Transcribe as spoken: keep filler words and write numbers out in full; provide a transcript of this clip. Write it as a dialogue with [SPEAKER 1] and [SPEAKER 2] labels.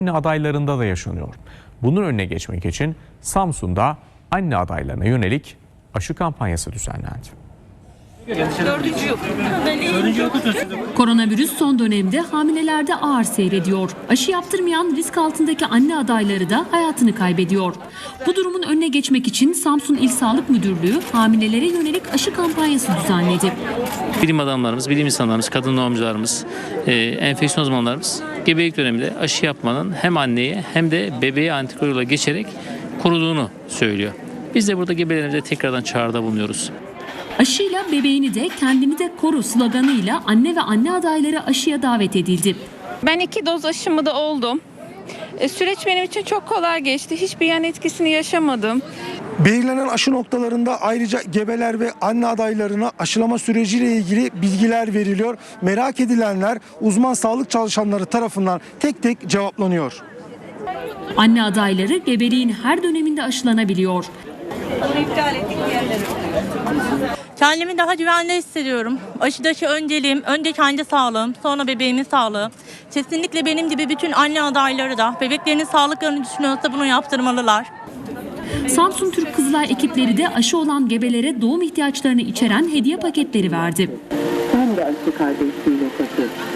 [SPEAKER 1] Anne adaylarında da yaşanıyor. Bunun önüne geçmek için Samsun'da anne adaylarına yönelik aşı kampanyası düzenlendi.
[SPEAKER 2] Koronavirüs son dönemde hamilelerde ağır seyrediyor. Aşı yaptırmayan risk altındaki anne adayları da hayatını kaybediyor. Bu durumun önüne geçmek için Samsun İl Sağlık Müdürlüğü hamilelere yönelik aşı kampanyası düzenledi.
[SPEAKER 3] Bilim adamlarımız, bilim insanlarımız, kadın doğumcularımız, e, enfeksiyon uzmanlarımız gebelik döneminde aşı yapmanın hem anneye hem de bebeğe antikoruyla geçerek koruduğunu söylüyor. Biz de burada gebelerimize tekrardan çağrıda bulunuyoruz.
[SPEAKER 2] Aşıyla bebeğini de kendini de koru sloganıyla anne ve anne adayları aşıya davet edildi.
[SPEAKER 4] Ben iki doz aşımı da oldum. E, süreç benim için çok kolay geçti. Hiçbir yan etkisini yaşamadım.
[SPEAKER 5] Belirlenen aşı noktalarında ayrıca gebeler ve anne adaylarına aşılama süreciyle ilgili bilgiler veriliyor. Merak edilenler uzman sağlık çalışanları tarafından tek tek cevaplanıyor.
[SPEAKER 2] Anne adayları gebeliğin her döneminde aşılanabiliyor.
[SPEAKER 6] Kendimi daha güvende hissediyorum. Aşıdaki önceliğim, önce kendi sağlığım, sonra bebeğimin sağlığı. Kesinlikle benim gibi bütün anne adayları da bebeklerinin sağlıklarını düşünüyorsa bunu yaptırmalılar.
[SPEAKER 2] Samsun Türk Kızılay ekipleri de aşı olan gebelere doğum ihtiyaçlarını içeren hediye paketleri verdi.
[SPEAKER 7] Ben de aşı kardeşliğiyle taşı.